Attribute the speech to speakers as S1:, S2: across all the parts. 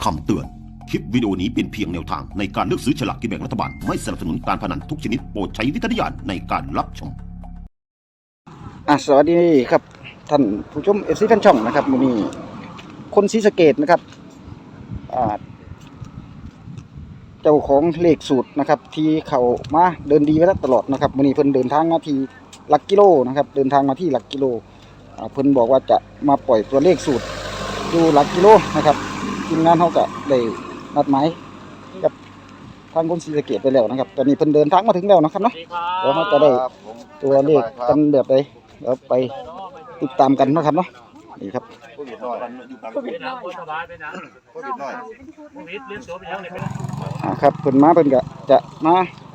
S1: คำเตือน คลิปวิดีโอนี้เป็นเพียงแนวทางในการเลือกซื้อฉลากกินแบ่งรัฐบาล ไม่สนับสนุนการพนันทุกชนิดโปรดใช้วิจารณญาณในการรับชม
S2: สวัสดีครับท่านผู้ชมFCแฟนช่องนะครับมื้อนี้คนศรีสะเกษนะครับเจ้าของเลขสูตรนะครับที่เขามาเดินดีมาตลอดนะครับมื้อนี้เพิ่นเดินทางมาที่หลักกิโลนะครับเดินทางมาที่หลักกิโลเพิ่นบอกว่าจะมาปล่อยตัวเลขสูตรอยู่หลักกิโลนะครับทีมงานเขาก็ได้นัดหมายกับทางคนศรีสะเกษไปแล้วนะครับตอนนี้เพิ่นเดินทางมาถึงแล้วนะครับเนาะเดี๋ยวเขาจะได้ตัวเลขกันแบบใดเดี๋ยวไปติดตามกันนะครับเนาะนี่ครับครับเพิ่นมาเพิ่นก็จะมา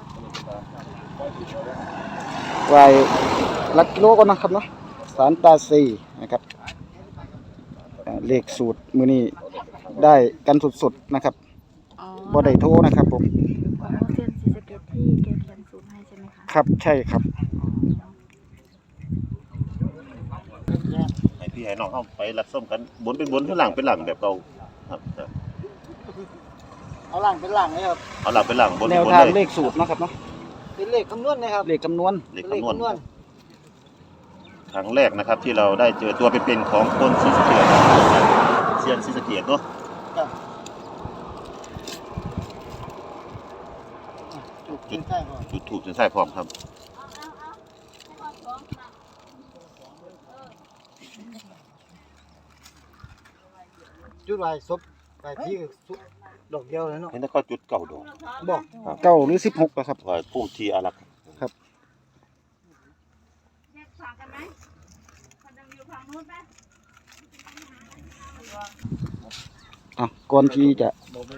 S2: ไหว้หลักกิโลก่อนนะครับเนาะศาลตาซีนะครับเลขสูตรมื้อนี้ได้กันสดๆนะครับบ่ได้โทรนะครับผม
S3: ของเซียนศรีสะเกษที่เก็บเขียนสูตรให้ใช่ไหมคะ
S2: ครับใช่ครับ
S4: ให้พี่ให้น้องเข้าไปรับส้มกันบนเป็นบนข้างหลังเป็นหลังแบบเก่าครับ
S2: เอาหลังเป็นหลังเลยครับ
S4: เอาหลังเป็นหลังบน
S2: แน
S4: เป็น
S2: ว
S4: บน
S2: ทาง
S4: เล
S2: เลย ขสูตรนะครับเนาะ
S5: เป็นเลขคำนวณนะครับ
S2: เลขคำนวณ
S4: เลขคำนวณครั้งแรกนะครับที่เราได้เจอตัวเป็นๆของคนศรีสะเกษเซียนศรีสะเกษเนาะจุดถูกจนใส่พร้อมครับ
S5: จุดไว้ศพไปที่ดอกเดียวเลยเนาะ
S4: เห็นแล้วก็จุดเก่าดอก
S5: บอก
S2: 9หรือ16นะครับ
S4: ว่าพุ่มทีอารักษ์
S2: ครับก่อนที่จะ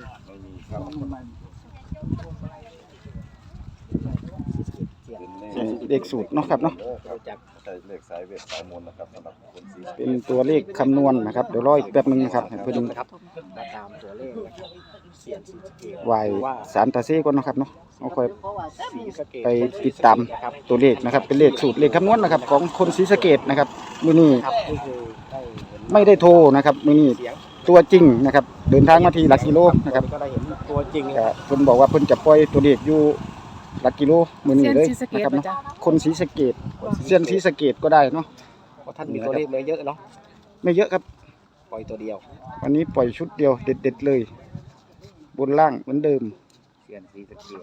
S2: เลขสูตรเนาะครับเนาะ
S4: เลขสายเวทสายมนนะครับสำหรับคนศรีสะเกษ
S2: เป็นตัวเลขคำนวณนะครับเดี๋ยวรออีกแป๊บนึงนะครับให้เพิ่น
S5: ตามตัวเลขเสียนศรีสะเกษ
S2: ไหว้ศาลตาซีก่อนนะครับเนาะเอาค่อยไปติดตามตัวเลขนะครับเป็นเลขสูตรเลขคำนวณนะครับของคนศรีสะเกษนะครับมื้อนี้ไม่ได้โทรนะครับมื้อนี้ตัวจริงนะครับเดินทางมาที่หลักกิโลนะครับ
S5: ก็ได้เห็นตัวจริง
S2: เพิ่นบอกว่าเพิ่นจะปล่อยตัวเลขอยู่หลักกิโลมื้อนี้เลยนะครับเนาะคนศรีสะเกษเซียนศรีสะเกษก็ได้เนาะ
S5: เพราะท่านมีตัวเลขเลยเยอะเนาะ
S2: ไม่เยอะครับ
S5: ปล่อยตัวเดียว
S2: วันนี้ปล่อยชุดเดียวเด็ดๆเลยบนล่างเหมือนเดิม
S5: เสียนศรีสะเกษ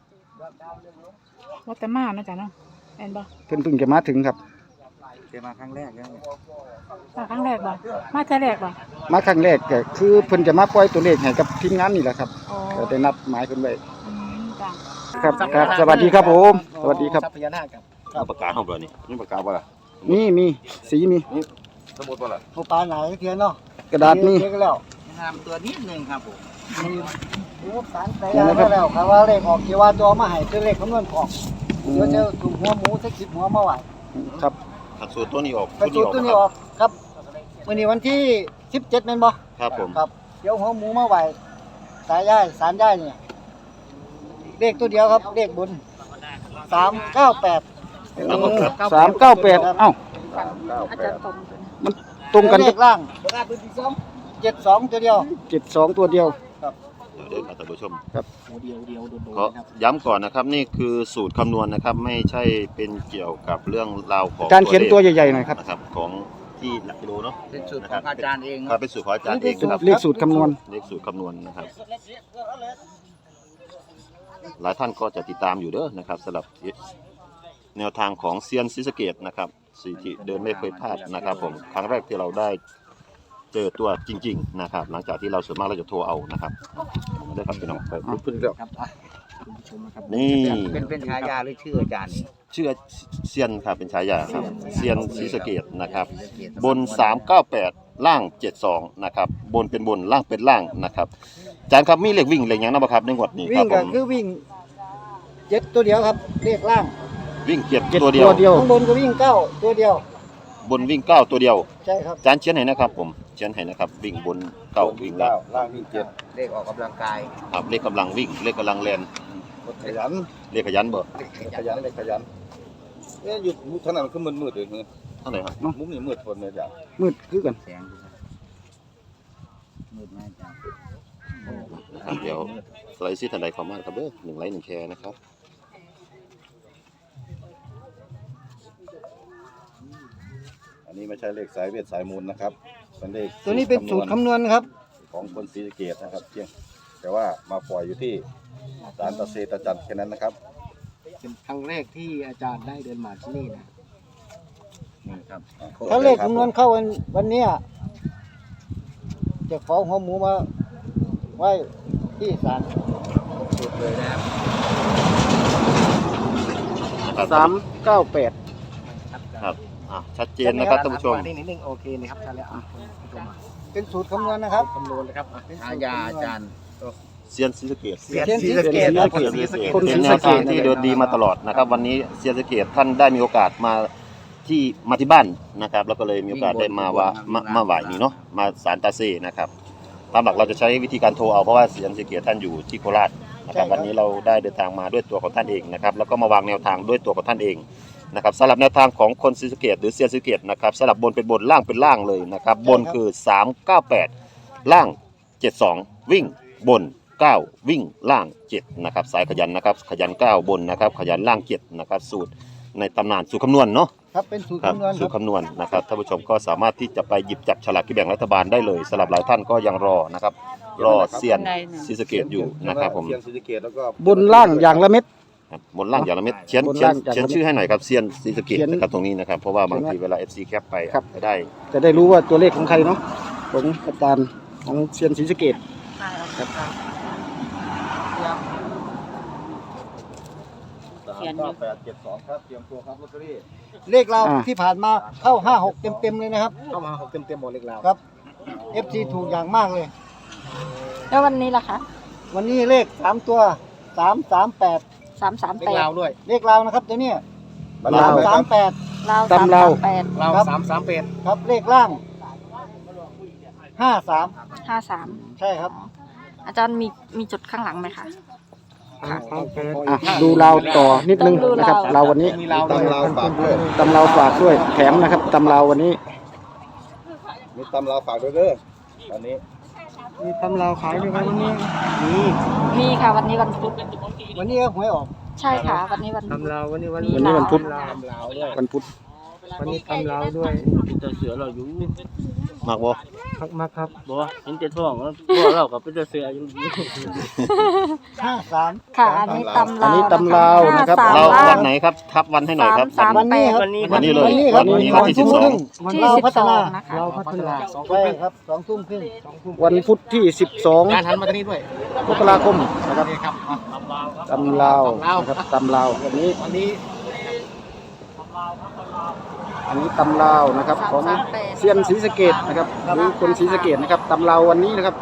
S3: วัดแต่มานะจ๊ะเนาะแอนบ่
S2: เพิ่นเพิ่งจะมาถึงครับ
S5: เจอมาครั้งแรกแล้ว
S3: มาครั้งแรกบ่มาเท่าแรกบ่
S2: มาครั้งแรกก็คือเพิ่นจะมาปล่อยตัวเลขให้กับทีมงานนี่แหละครับก็ได้นัดหมายเพิ่นไว้
S3: จ้ะ
S2: ครับครับสวัสดีครับผมสวัสดีครับ
S5: พญานาคครับ
S4: เอาปากกาเข้าไปนี่นี่ปากกาบ่ล่ะ
S2: มีสีมี
S4: สมุดบ่ล่ะ
S5: ผู้ปลาไหนเทียนเนาะ
S2: กระดาษมี
S5: แล้วงามตัวนิดนึงครับผมรูปสารไปแล้วครับว่าเลขออกกี่ว่าตัวมาให้คือเลขคำนวณออกเดี๋ยวจะถูกหัวหมูสัก10หัวมาไหว
S2: ครับ
S4: ขัดสูตรตัวนี้ออก
S5: สูตรตัวนี้ออกครับวันนี้วันที่17แม่นบ่
S4: ครับผม
S5: ครับเดี๋ยวหัวหมูมาไหวสายย่ายสารย่ายเนี่ยเลขตัวเดียวครับเลขบน398
S2: 398เอ้า
S3: อาจารย์ตรง
S2: มันตรงกัน
S5: เลขล่าง72ตัวเดียว
S2: 72ตัวเดียว
S5: ครับ
S4: เดี๋ยวท่านผู้ชม
S2: ครับ
S5: เดียวโดน
S4: ขอย้ำก่อนนะครับนี่คือสูตรคำนวณนะครับไม่ใช่เป็นเกี่ยวกับเรื่องราวของ
S2: การเขียนตัวใหญ่ๆหน่อยครับ
S4: นะครับของที่หลักกิโลเนาะ
S5: เป็นสูตรของอาจารย์เอง
S4: ครับเป็นสูตรของอาจารย์เองครับ
S2: เลขสูตรคำนวณ
S4: นะครับหลายท่านก็จะติดตามอยู่เด้อนะครับสำหรับแนวทางของเซียนศรีสะเกษนะครับสิ่งที่เดินไม่เคยพลาดนะครับผมครั้งแรกที่เราได้เจอตัวจริงๆนะครับหลังจากที่เราส่วนมากเราจะโทรเอานะครับได้ครับพี่น้องไปพึ่งเรื่องนี่
S5: เป็นฉายาหรือชื่ออาจารย์
S4: ชื่อเซียนครับเป็นฉายาครับเซียนศรีสะเกษนะครับบน398ล่าง72นะครับบนเป็นบนล่างเป็นล่างนะครับอาจารย์ครับมีเลขวิ่งเลขยังนะบ่ครับในงวดนี้
S5: ครับผมวิ่งก็คือวิ่ง7ตัวเดียวครับเลขล่าง
S4: วิ่ง7ตัวเดียว
S5: ข้างบนก็วิ่ง9ตัวเดียว
S4: บนวิ่ง9ตัวเดียว
S5: ใช่ครับ
S4: อาจารย์เขียนให้นะครับผมเขียนให้นะครับวิ่งบน9วิ่ง
S5: ล่างวิ่ง7เลขออกกำลังกาย
S4: ครับเลขกำลังวิ่งเลขกำลังแล่น
S5: ขยัน
S4: เลขขยันบ่
S5: ขยันเนี่ยหยุดทางนั้นคือมืดๆเลย
S4: เท่าไหร่ครับ
S5: มุมนี้มืดคนเลยจ้ะ
S2: มืดคือกัน
S5: แสงมืดมากจ้ะ
S4: นะครับเดี๋ยวสไลด์ซีทันใดคอมมานด์ครับเด้อ1 ไลค์ 1 แชร์นะครับ
S6: อันนี้ไม่ใช่เลขสายเวทสายมูลนะครับเป็นเลข
S5: ตัวนี้เป็นสูตรคำนวณครับ
S6: ของคนศรีสะเกษนะครับเพียงแต่ว่ามาปล่อยอยู่ที่ศาลตะเซตะจันแค่นั้นนะครับ
S5: เป็นครั้งแรกที่อาจารย์ได้เดินมาที่นี่นะ
S6: นี่ครับ
S5: ถ้าเลขคำนวณเข้าวันเนี้ยจะขอหัวหมูมาไว้ที่ศาลสุดเลยนะครับ
S2: 398
S4: ครับชัดเจนนะครับท่านผู้ชม
S5: นิดนึงโอเคนะครับใช่แล้วเป็นสูตรคำนวณนะครับคำนวณเลยครับฉายาอาจารย์
S4: เซียนศรีสะเกษ
S5: เซียนศรีสะเกษครับคนศรีสะเกษ
S4: เป็นแนวทางที่เดินดีมาตลอดนะครับ วันนี้เซียนศรีสะเกษท่านได้มีโอกาสมาที่บ้านนะครับ แล้วก็เลยมีโอกาสได้มาไหว้นี่เนาะมาศาลตาเซนะครับตามหลักเราจะใช้วิธีการโทรเอาเพราะว่าเซียนศรีสะเกษท่านอยู่ที่โคราชนะครับวันนี้เราได้เดินทางมาด้วยตัวของท่านเองนะครับแล้วก็มาวางแนวทางด้วยตัวของท่านเองนะครับสำหรับแนวทางของคนศรีสะเกษหรือเซียนศรีสะเกษนะครับสลับบนเป็นบนล่างเป็นล่างเลยนะครับบนคือ398ล่าง72วิ่งบน9วิ่งล่าง7นะครับสายขยันนะครับขยัน9บนนะครับขยันล่าง7นะครับสูตรในตำนานสูตรคำนวณเนาะ
S5: ครับเป็นสูตร
S4: ครับ
S5: คำนวณค
S4: สู
S5: รั
S4: ต
S5: บ
S4: รคำนวณนะครับท่านผู้ชมก็สามารถที่จะไปหยิบจับฉลากกินแบ่งรัฐบาลได้เลยสำหรับหลายท่านก็ยังรอนะครับรอเซียนศรีสะเกษอยู่นะครับผม
S6: เซียนศรีสะเกษแล้วก็
S2: บนล่างอย่างละเม็ด
S4: ครับบนล่างอย่างละเม็ดเชียน
S2: บน
S4: เชีย
S2: ล่าน งอย่างละเม็ด
S4: เชียนชื่อให้หน่อยครับเซียนศรีสะเกษ
S2: เขียน
S4: นะครับตรงนี้นะครับเพราะว่าบางทีเวลา FC แคปไป
S2: ครับ
S4: ไม่ได้
S2: จะได้รู้ว่าตัวเลขของใครเนาะของอาจารย์ของเซียนศรีสะเกษ
S6: 39872ครับเตรียมตัวครับลอตเตอรี่
S5: เลขเราที่ผ่านมาเข้า56เต็มๆเลยนะครับเข้ามา6เต็มๆหมดเลขเราครับ FC ถูกอย่างมากเลย
S3: แล้ววันนี้ล่ะคะ
S5: วันนี้เลข3ตัว338
S3: 338
S5: ด้วยเลขเรานะครับตัวเนี้ย
S2: ลาว
S5: 38
S3: ลาว
S2: ตำลาว
S3: 338
S5: เรา338ครับเลขล่าง53
S3: 53
S5: ใช่ครับ
S3: อาจารย์มีจุดข้างหลังไหมคะ
S2: ดูลาวต่อนิดนึง
S3: ต้องดู
S2: นะครับ
S3: ลาว
S2: เราวันนี้
S5: มีเรา
S6: ตำราวฝากด้วย
S2: ตำเราฝากด้วยแถมนะครับตำเราวันนี้
S6: มีตำราวฝากด้วยเด้อตอนนี้
S5: มีตำเราขายด้วยครับวันนี้มี
S3: มีค่ะวันนี้วันพุธ
S5: วันนี้ก็หวยออก
S3: ใช่ค่ะ วันนี้วันพุธ
S5: ตำเราวันนี้วัน
S3: มี
S2: วันนี้วันพุธ
S5: ตำเราด้วย
S2: วันพุธ
S5: วันนี้ตำเราด้วย
S7: จะเสือเราอยู่
S4: มากบ่
S5: มาครับ
S7: บ่เห็นแต่ท้องแล้วบ่เราก็เป็นแต่เสืออยู่
S5: 53
S3: ค่ะ อันนี้ตำ
S2: อัน
S3: ลาว
S2: นี้ตำลาวนะครับ
S3: 53
S4: เรา
S3: ล่
S4: วันไหนครับทับวันให้หน่อยครับ
S5: วันนี้ครับ
S4: วันนี้เลย
S5: วันนี้
S4: วันที่
S5: ทุ่มครึ่ง
S3: ที่
S5: เราพัฒนา
S3: 12นะคะ
S5: เราพัฒนาใช่ครับ2 ทุ่มครึ่ง
S2: วันพุธที่
S5: การหันมาทางนี้ด้วย
S2: 12 มกราคมนะครับ
S5: นี่ครับ
S2: ตำลาวนะครับตำลาววันนี้
S5: วันนี้
S2: อันนี้ตำลาวนะครับของเซียนศรีสะเกษนะครับหรือคนศรีสะเกษนะครับตำลาววันนี้นะครับ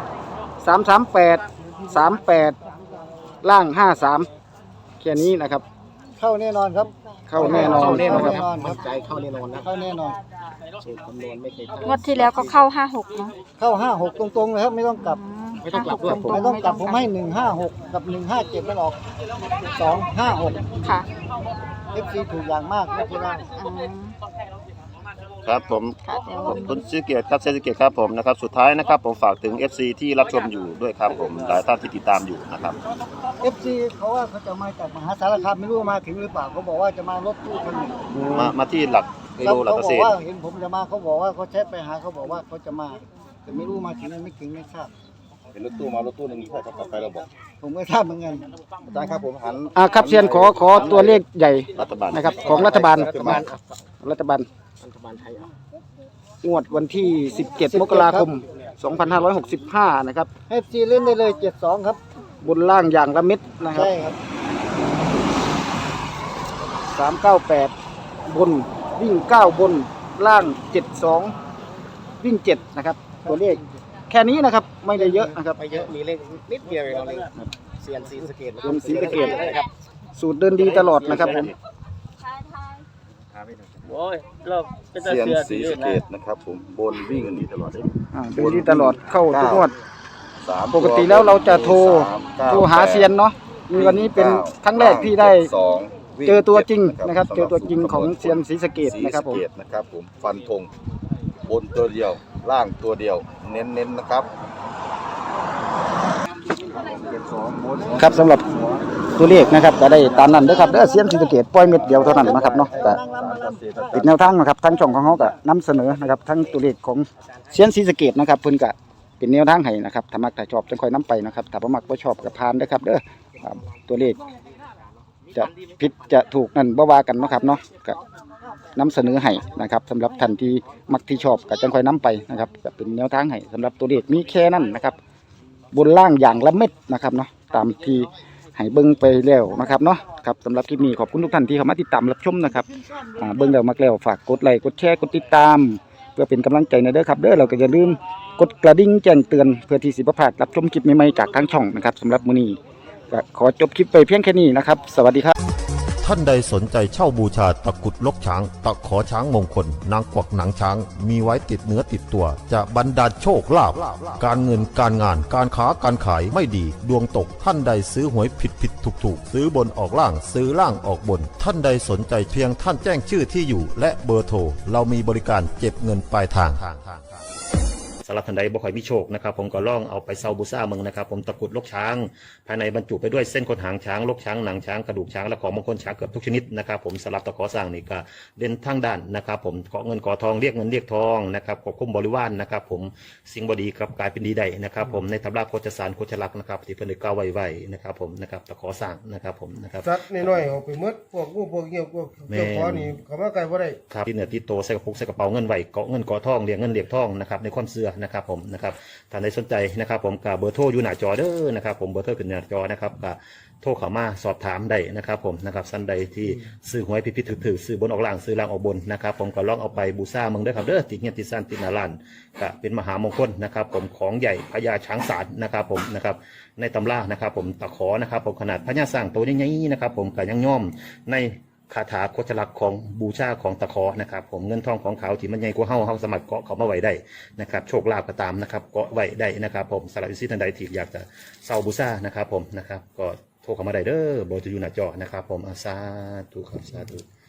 S2: 338ล่าง53แค่นี้นะครับ
S5: เข้าแน่นอนครับ
S2: เข้าแน่นอน
S5: เข้าแน่นอน
S2: นะครับ
S5: มั่นใจเข้าแน่นอนนะเข้าแน่นอนสูตรคำนวณไม่เคย
S3: งวดที่แล้วก็เข้า 56เนาะ
S5: เข้า56ตรงๆเลยครับไม่ต้องกลับ
S3: ไม่ต้องกลับด้วย
S5: ไม่ต้องกลับผมให้156กับ157มันออก256
S3: ค่ะ
S5: FC ถูกอย่างมากไม่ใช่ได้
S3: อืม
S4: ครับผม
S3: ค่ะเดี๋ยว
S4: ขอบคุณศรีสะเกษครับเซียนศรีสะเกษครับผมนะครับสุดท้ายนะครับผมฝากถึง FC ที่รับชมอยู่ด้วยครับผมหลายท่านที่ติดตามอยู่นะครับ
S5: FC เขาว่าเขาจะมาจากมหาสารคามไม่รู้ว่ามาถึงหรือเปล่าเขาบอกว่าจะมารถตู้คันหนึ่ง
S4: มาที่หลักกิโลหลัก
S5: เขา
S4: เก
S5: บ
S4: ษ
S5: อก
S4: ตร
S5: ว่าเห็นผมจะมาเขาบอกว่าเขาแชทไปหาเขาบอกว่าเขาจะมาแต่ไม่รู้มาถึงหรือไม่ถึงไม่ทราบ
S6: เป็นรถตู้มารถตู้หนึ่งใช่ครับกลับไปเราบอก
S5: ผมไม่ทราบเหมือนกัน
S6: อาจารย์ครับผมหัน
S2: ครับเซียนขอตัวเลขใหญ่
S4: รัฐบาล
S2: นะครับของรัฐบาล
S6: รัฐบาล
S2: รัฐบาลงวดวันที่ 17 มกราคม 2565 นะครับ
S5: ให้ FC เล่นได้เลย72ครับ
S2: บนล่างอย่างละเม็ดนะครับ
S5: ใช่ครับ
S2: 398 บนวิ่ง 9 บนล่าง 72 วิ่ง 7 นะครับ ตัวเลขแค่นี้นะครับไม่ได้เยอะนะครับ
S5: ไม่เยอะมีเลขนิดเดียวเองเราเลยเซียนศรีสะเกษ
S2: เซียนศรีสะเกษ สูตรเดินดีตลอดนะครับผม
S7: โอ้ยเราเป็นแต่
S6: เซียน
S7: เสือ
S6: ศรีสะเกษนะครับผมบนวิ่งกันดีตลอดเลย
S2: เดินดีตลอดเข้าทุกงวด
S6: สาม
S2: ปกติแล้วเราจะโทร
S6: 3 9
S2: โทรหาเซียนเนาะมีวันนี้เป็นครั้งแรกที่ได้
S6: 72
S2: เจอตัวจริงนะครับ เจอตัวจริงของเซียนศรีสะเกษนะครับผม
S6: ศรีสะเกษนะครับผมฟันธงบนตัวเดียวล่างตัวเดียวเน้นๆนะครับ
S2: ครับสำหรับตัวเลขนะครับก็ได้ตามนั้นเด้อครับเด้อเซียนศรีสะเกษปล่อยเม็ดเดียวเท่านั้นนะครับเนาะก็ติดแนวทางนะครับทั้งช่องของเขาก็นำเสนอนะครับทั้งตัวเลขของเซียนศรีสะเกษนะครับเพิ่นก็เป็นแนวทางให้นะครับถ้ามักถ้าชอบจังค่อยนํไปนะครับถ้าบ่มักบ่ชอบก็ผ่านเด้อครับเด้อตัวเลขจะผิดจะถูกนั่นบ่ว่ากันเนาะครับเนาะก็นำเสนอให้นะครับสำหรับท่านที่มักที่ชอบก็จังค่อยนํไปนะครับก็เป็นแนวทางให้สำหรับตัวเลขมีแค่นั้นนะครับบนล่างอย่างละเม็ดนะครับเนาะตามที่ให้เบิ่งไปแล้วนะครับเนาะครับสำหรับคลิปนี้ขอบคุณทุกท่านที่เข้ามาติดตามรับชมนะครับเบิ่งแล้วมักแล้วฝากกดไลค์กดแชร์กดติดตามเพื่อเป็นกำลังใจในเด้อครับเด้อเราก็อย่าลืมกดกระดิ่งแจ้งเตือนเพื่อที่สิบ่พลาดรับชมคลิปใหม่ๆจากทางช่องนะครับสำหรับมื้อนี้ก็ขอจบคลิปไปเพียงแค่นี้นะครับสวัสดีครับ
S1: ท่านใดสนใจเช่าบูชาตะกรุดลกช้าง ตะขอช้างมงคล นางกวักหนังช้าง มีไว้ติดเนื้อติดตัว จะบรรดาลโชคลาภการเงินการงานการค้าการขายไม่ดี ดวงตกท่านใดซื้อหวยผิดถูกซื้อบนออกล่างซื้อล่างออกบน ท่านใดสนใจเพียงท่านแจ้งชื่อที่อยู่ และเบอร์โทรเรามีบริการเก็บเงินปลายทางสำหรับท่านใดบ่ค่อยมีโชคนะครับผมก็ล่องเอาไปเซาบูซ่าเมืองนะครับผมตะกรุดลกช้างภายในบรรจุไปด้วยเส้นขนหางช้างลกช้างหนังช้างกระดูกช้างและของมงคลช้างเกือบทุกชนิดนะครับผมสำหรับตะขอสร้างนี่ก็เด่นทั้งด้านนะครับผมเกาะเงินเกาะทองเรียกเงินเรียกทองนะครับควบคุมบริวารนะครับผมสิ่งบดีครับกลายเป็นดีได้นะครับผมในตำราโคจสารโคจลักษณ์นะครับที่เพิ่นได้กล่าวไว้นะครับผมนะครับตะขอสร้างนะครับผมนะครับ
S8: สัตว์น้อยๆออกไปหมดพวกงูพวกเหี้ยวพวกเจ้าขอนี่เขามาไกลบ่ได้
S1: ครับที่เหนือที่โตใส่กระปุกใส่กระเป๋าเงินไหวเกาะเงินเกาะทองเรียกเงินเรียกทองนะครับในความเชื่อนะครับผมนะครับท่านใดสนใจนะครับผมกับเบอร์โทรอยู่หน้าจอเด้อนะครับผมเบอร์โทรขึ้นหน้าจอนะครับกับโทรเข้ามาสอบถามได้นะครับผมนะครับท่านใดที่ซื้อหวยผิดๆถือซื้อบนออกล่างซื้อล่างออกบนนะครับผมก็ลองเอาไปบูชาเมืองเด้อครับเด้อติดเงี้ยติดซ่านติดหน้าร้านก็เป็นมหามงคลนะครับผมของใหญ่พญาช้างศาลนะครับผมนะครับในตำรานะครับผมตะขอนะครับผมขนาดพญาสร้างตัวใหญ่ๆนะครับผมก็ยังย่อมในคาถาโคจลักษณ์ของบูชาของตะขอนะครับผมเงินทองของเขาที่มันใหญ่กว่าเฮาสามารถเกาะเขามาไว้ได้นะครับโชคลาภก็ตามนะครับเกาะไว้ได้นะครับผมสำหรับท่านใดที่อยากจะเซาบูชานะครับผมนะครับก็โทรเข้ามาได้เด้อเบอร์จะอยู่หน้าจอนะครับผมสาธุครับสาธุ